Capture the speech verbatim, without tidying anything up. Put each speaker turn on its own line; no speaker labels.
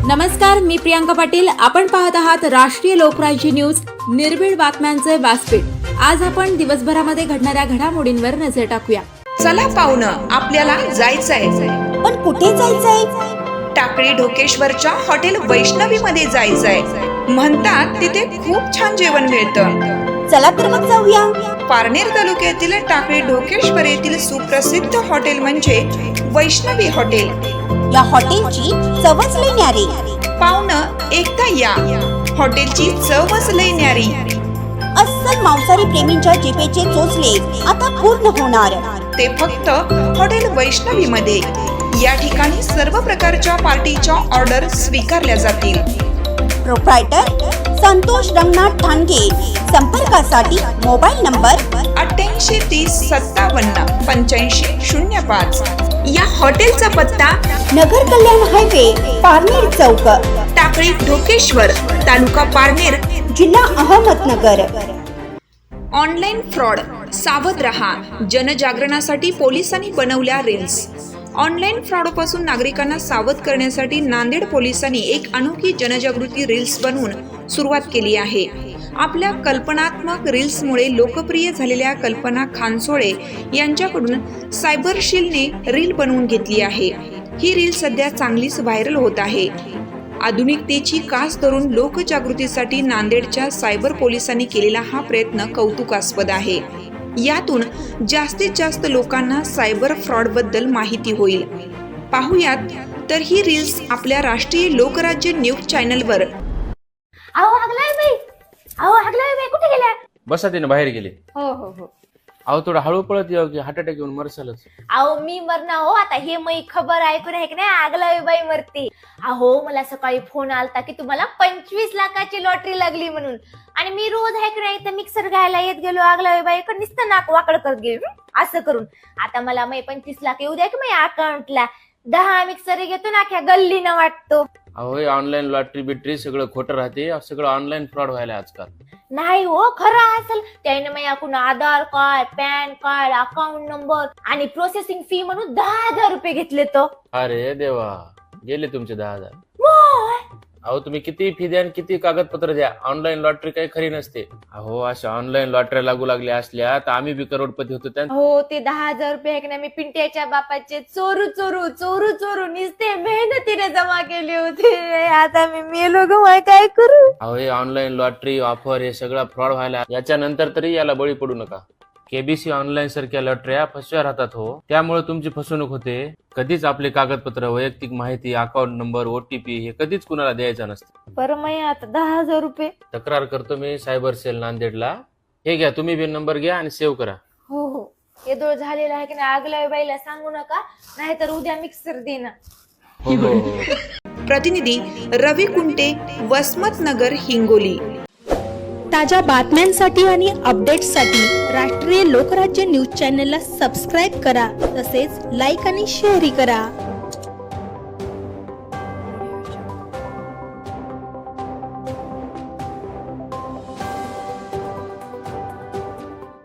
नमस्कार, मी प्रियांका पाटील. आपण पाहत आहात राष्ट्रीय लोकराज्य न्यूज, निर्भीड बातम्यांचे व्यासपीठ. आज आपण दिवसभरामध्ये घडणाऱ्या घडामोडींवर नजर टाकूया.
चला पाहुणं, आपल्याला जायचंय.
पण कुठे जायचंय?
टाकळी ढोकेश्वरच्या हॉटेल वैष्णवी मध्ये जायचंय. म्हणतात तिथे खूप छान जेवण मिळतं.
चला तर मग जाऊया.
पारनेर तालुक्यातील टाकळी ढोकेश्वर येथील सुप्रसिद्ध हॉटेल म्हणजे वैष्णवी हॉटेल.
या हॉटेलची चवच लई न्यारी.
पाहुणं, एकदा या. हॉटेलची चवच लई न्यारी.
अस्सल मांसाहारी प्रेमींच्या जिभेचे चोचले आता पूर्ण होणार.
ते फक्त हॉटेल वैष्णवी मध्ये. या ठिकाणी सर्व प्रकारच्या पार्टीच्या ऑर्डर स्वीकारल्या जातील.
प्रोप्रायटर संतोष रंगनाथ ठाणगे. संपर्कासाठी मोबाईल नंबर
अठ्ठ्याऐंशी तीस सत्तावन्न पंच्याऐंशी शून्य पाच. या हॉटेलचा पत्ता
नगर कल्याण हायवे, पारनेर चौक,
टाकळी ढोकेश्वर, तालुका पारनेर,
जिल्हा अहमदनगर.
ऑनलाईन फ्रॉड, सावध रहा. जनजागरणासाठी पोलिसांनी बनवल्या रील्स. ऑनलाईन फ्रॉडपासून नागरिकांना सावध करण्यासाठी नांदेड पोलिसांनी एक अनोखी जनजागृती रील्स बनवून सुरुवात केली आहे. आपल्या कल्पनात्मक रील्समुळे लोकप्रिय झालेल्या कल्पना खानसोळे यांच्याकडून सायबर शीलने रील बनवून घेतली आहे. ही रील सध्या चांगलीच व्हायरल होत आहे. आधुनिकतेची कास धरून लोकजागृतीसाठी नांदेडच्या सायबर पोलिसांनी केलेला हा प्रयत्न कौतुकास्पद आहे. यातून जास्तीत जास्त लोकांना सायबर फ्रॉड बद्दल माहिती होईल. पाहुयात तर ही रील्स आपल्या राष्ट्रीय लोकराज्य न्यूज चॅनलवर.
अहो हगलाय बाई, अहो हगलाय बाई, कुठे गेल्या?
बसा तिने बाहेर गेले.
हो हो हो.
अहो थोडं हळू पळत यावं की हार्ट अटॅक येऊन मरसालच.
अहो मी मरणार हो. आता हे मी खबर ऐकून आहे की नाही, आगलावी बाई मरते. अहो मला सकाळी फोन आलता की तुम्हाला पंचवीस लाखाची लॉटरी लागली म्हणून. आणि मी रोज आहे की नाही तर मिक्सर घ्यायला येत गेलो आगलावी बाईकडे, नुसतं नाक वाकड करत गेलो असं करून. आता मला मी पंचवीस लाख येऊ द्या की माझ्या अकाउंटला. दहा मिक्सर घेतो ना अख्या गल्लीनं वाटतो.
अहो ऑनलाईन लॉटरी बिटरी सगळं खोटं राहते. सगळं ऑनलाईन फ्रॉड व्हायला आजकाल.
नाही हो, खरं असेल. त्याने माझ्याकडून Aadhaar card, PAN card, account number आणि प्रोसेसिंग फी म्हणून दहा हजार रुपये घेतले. तो
अरे देवा, गेले तुमचे दहा हजार.
मोय.
अहो तुम्ही किती फी द्या आणि किती कागदपत्र द्या, ऑनलाईन लॉटरी काही खरी नसते. अहो अशा ऑनलाईन लॉटरी लागू लागल्या असल्या तर आम्ही बी करोडपती होतो. त्या
हो, ते दहा हजार रुपये आहे की नाही, मी पिंट्याच्या बापाचे चोरू चोरू चोरू चोरू निसते मेहनतीने जमा केले होते. आता मी मेलो ग, काय करू?
अहो हे ऑनलाईन लॉटरी ऑफर हे सगळं फ्रॉड व्हायला. याच्या नंतर तरी याला बळी पडू नका. केबीसी ऑनलाईन सारख्या लॉटऱ्या फसव्या राहतात हो. त्यामुळे तुमची फसवणूक होते. कधीच आपले कागदपत्र, वैयक्तिक माहिती, अकाउंट नंबर, ओटीपी हे कधीच कुणाला द्यायचं नसतं.
बरं, मी आता दहा हजार रुपये
तक्रार करतो मी सायबर सेल नांदेडला. हे घ्या, तुम्ही बी नंबर घ्या आणि सेव्ह करा.
हो हो. हे दोळ झालेला आहे की नाही, आगल्या बाईला सांगू नका, नाहीतर उद्या मिक्सर देणार.
हो हो हो.
प्रतिनिधी रवी कुंटे, वसमत नगर, हिंगोली.
ताज्या बातम्यांसाठी आणि अपडेट्ससाठी राष्ट्रीय लोकराज्य न्यूज चॅनलला सबस्क्राईब करा. तसेच लाईक आणि शेअरही करा.